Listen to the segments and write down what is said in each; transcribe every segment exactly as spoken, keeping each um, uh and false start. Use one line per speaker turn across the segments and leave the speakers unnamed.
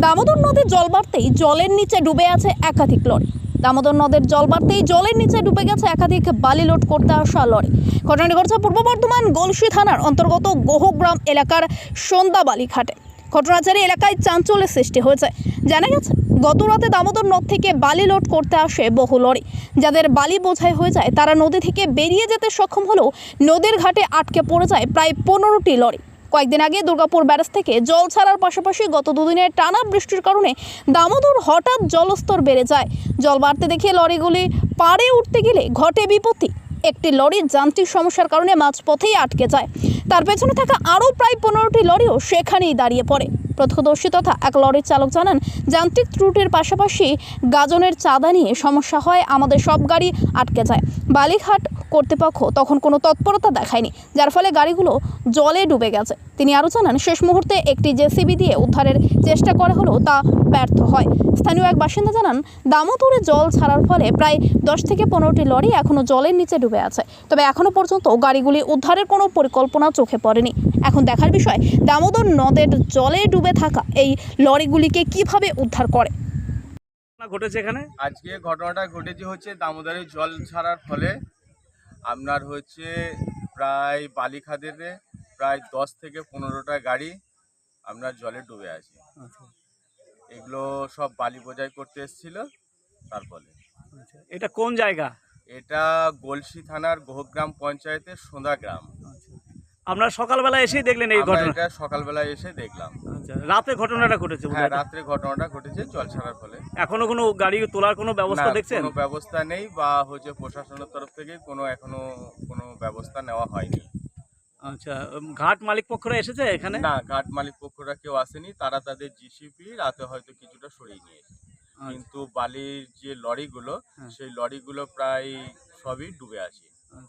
দামোদর নদীর জল বাড়তেই জলের নিচে ডুবে আছে একাধিক লরি। দামোদর নদের জল বাড়তেই জলের নিচে ডুবে গেছে একাধিক বালি লোড করতে আসা লরি। ঘটনাটি ঘটছে পূর্ব বর্ধমান গলসি থানার অন্তর্গত গোহগ্রাম এলাকার সন্ধ্যাবালি ঘাটে। ঘটনার জেরে এলাকায় চাঞ্চল্যের সৃষ্টি হয়েছে। জানা গেছে গত রাতে দামোদর নদ থেকে বালি লোড করতে আসে বহু লরি। যাদের বালি বোঝাই হয়ে যায় তারা নদী থেকে বেরিয়ে যেতে সক্ষম হলেও নদীর ঘাটে আটকে পড়ে যায় প্রায় পনেরোটি লরি। কয়েকদিন আগে দুর্গাপুর ব্যারেজ থেকে জল ছাড়ার পাশাপাশি গত দুদিনের টানা বৃষ্টির কারণে দামোদর হঠাৎ জলস্তর বেড়ে যায়। জল বাড়তে দেখে লরিগুলি পাড়ে উঠতে গেলে ঘটে বিপত্তি। একটি লরির যান্ত্রিক সমস্যার কারণে মাঝপথেই আটকে যায়। তার পেছনে থাকা আরও প্রায় পনেরোটি লরিও সেখানেই দাঁড়িয়ে পড়ে। প্রত্যক্ষদর্শী তথা এক লরির চালক জানান, যান্ত্রিক ত্রুটির পাশাপাশি গাজনের চাঁদা নিয়ে সমস্যা হয়, আমাদের সব গাড়ি আটকে যায়। বালিঘাট কর্তৃপক্ষ তখন কোনো তৎপরতা দেখায়নি, যার ফলে গাড়িগুলো জলে ডুবে গেছে। তিনি আরও জানান, শেষ মুহূর্তে একটি জেসিবি দিয়ে উদ্ধারের চেষ্টা করা হলেও তা ব্যর্থ হয়। স্থানীয় এক বাসিন্দা জানান, দামোদরে জল ছাড়ার ফলে প্রায় দশ থেকে পনেরোটি লরি এখনও জলের নিচে ডুবে আছে। তবে এখনও পর্যন্ত গাড়িগুলি উদ্ধারের কোনো পরিকল্পনা চোখে পড়েনি। এখন দেখার বিষয় দামোদর নদের জলে ডুবে থাকা এই লরিগুলিকে কিভাবে উদ্ধার করে।
ঘটেছে এখানে
আজকে ঘটনাটা ঘটেছে হচ্ছে দামোদরে জল ছাড়ার ফলে আপনার হচ্ছে প্রায় বালিখাদেতে প্রায় দশ থেকে পনেরোটা গাড়ি আপনার জলে ডুবে আছে। এগুলো সব বালি বোঝাই করতে এসেছিল। তার ফলে
এটা কোন জায়গা?
এটা গলসি থানার গোহগ্রাম পঞ্চায়েতের সোঁদা গ্রাম।
আপনারা সকালবেলা এসেই দেখলেন এই ঘটনা?
এটা সকালবেলা এসে দেখলাম।
আচ্ছা, রাতে ঘটনাটা ঘটেছে?
হ্যাঁ, রাত্রে ঘটনাটা ঘটেছে জল ছাড়ার ফলে।
এখনো কোনো গাড়ি তোলার কোনো ব্যবস্থা দেখছেন?
কোনো ব্যবস্থা নেই, বা হচ্ছে প্রশাসনের তরফ থেকে কোনো এখনো কোনো ব্যবস্থা নেওয়া হয়নি।
আচ্ছা, ঘাট মালিক পক্ষরা এসেছে এখানে?
না, ঘাট মালিক পক্ষরা কেউ আসেনি। তারা তাদের জিসিপি রাতে হয়তো কিছুটা সরিয়ে নিয়েছে, কিন্তু বালির যে লরিগুলো সেই লরিগুলো প্রায় সবই ডুবে আছে।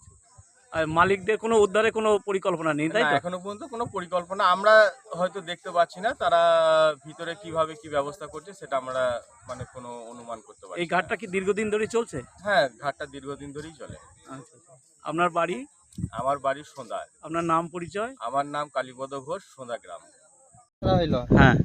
আর মালিকদের কোনো উদ্ধারে কোনো পরিকল্পনা নেই, তাই তো?
এখনো পর্যন্ত কোনো পরিকল্পনা আমরা হয়তো দেখতে পাচ্ছি না। তারা ভিতরে কিভাবে কি ব্যবস্থা করছে সেটা আমরা মানে কোনো অনুমান করতে পারছি।
এই ঘাটটা কি দীর্ঘদিন ধরেই চলছে?
হ্যাঁ, ঘাটটা দীর্ঘদিন ধরেই চলে।
আচ্ছা, আপনার বাড়ি?
আমার বাড়ি সোঁদা।
আপনার নাম পরিচয়?
আমার নাম কালীপদ ঘোষ, সোঁদা গ্রাম।
হ্যাঁ,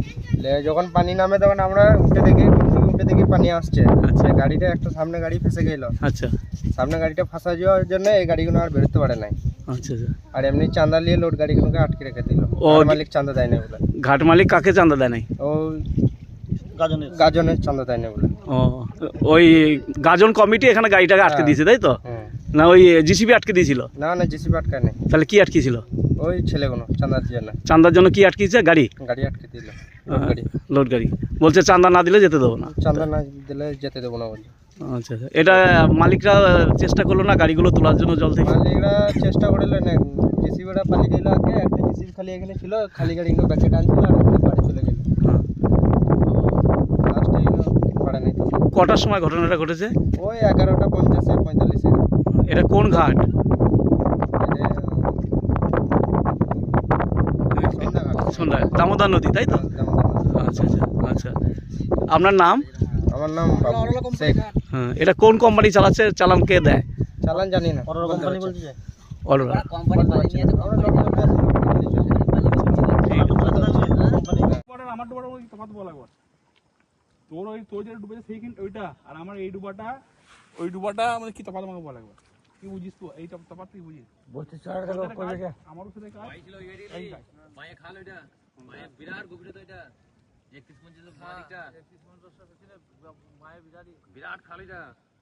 যখন পানি নামে তখন আমরা উঠে দেখি উঠে দেখি পানি আসছে। আচ্ছা, গাড়িটা একটা সামনে গাড়ি ফেসে গেল।
আচ্ছা,
সামনে গাড়িটা ফাঁসা যাওয়ার জন্য এই গাড়িগুলো আর বেরোতে পারে নাই।
আচ্ছা,
আর এমনি চাঁদা নিয়ে লোড গাড়িগুলোকে আটকে রেখে দিল। মালিক চাঁদা দেয় না বলে।
ঘাট মালিক কাকে চাঁদা দেয় নাই?
ও গাজনের গাজনের চাঁদা দেয় না বলে।
ও, ওই গাজন কমিটি এখানে গাড়িটাকে আটকে দিয়েছে, তাই তো? না ওই জিসিবি আটকে দিয়েছিল?
না না, জিসিবি আটকায় নাই।
তাহলে কি আটকেছিল?
ওই ছেলেগুলো চাঁদার জন্য।
চাঁদার জন্য কি আটকেছে? গাড়ি
গাড়ি আটকে দিল।
লোড গাড়ি বলছে চাঁদা না দিলে যেতে দেবো না।
চাঁদা না দিলে যেতে দেবো না বলে।
আচ্ছা, এটা মালিকরা চেষ্টা করলো না গাড়িগুলো তোলার জন্য জল থেকে?
মালিকরা চেষ্টা করলো না, জিসিবিটা পালিয়ে গেল। আগে একটা জিসিবি খালি এখানে ছিল, খালি গাড়িগুলো ব্যাকে টানছিল আর বাড়ি চলে গেল।
কটার সময় ঘটনাটা ঘটেছে?
ওই এগারোটা পঞ্চাশে পঁয়তাল্লিশে।
এটা কোন ঘাট? সন্ধ্যা দামোদর নদী, তাই তো? আচ্ছা আচ্ছা আচ্ছা, আপনার নাম?
আমার নাম শেখ।
হ্যাঁ, এটা কোন কোম্পানি চালাচ্ছে? চালান কে দেয়?
চালান জানি না। কোম্পানি বলছে
অরোরা।
আমার ডুবাটা ওই তফাৎ বলা একবার, তোর ওই তোর যেটা ডুবেছে সেইখান ওইটা, আর আমার এই ডুবাটা ওই ডুবাটা মানে কি তফাৎ আমাকে বলা একবার। কি বুঝিস তুই এই তফাৎ? তুই বুঝিস? বলতে চার টাকা করে রে আমারও সাথে কাজ ছিল। এই মায়ে খাল ওইটা, মায়ে বিরাট গভীর তো এটা একত্রিশ পঞ্চাশ মালিকটা একত্রিশ পঞ্চাশ মায়ে বিরাট বিরাট খাল এটা।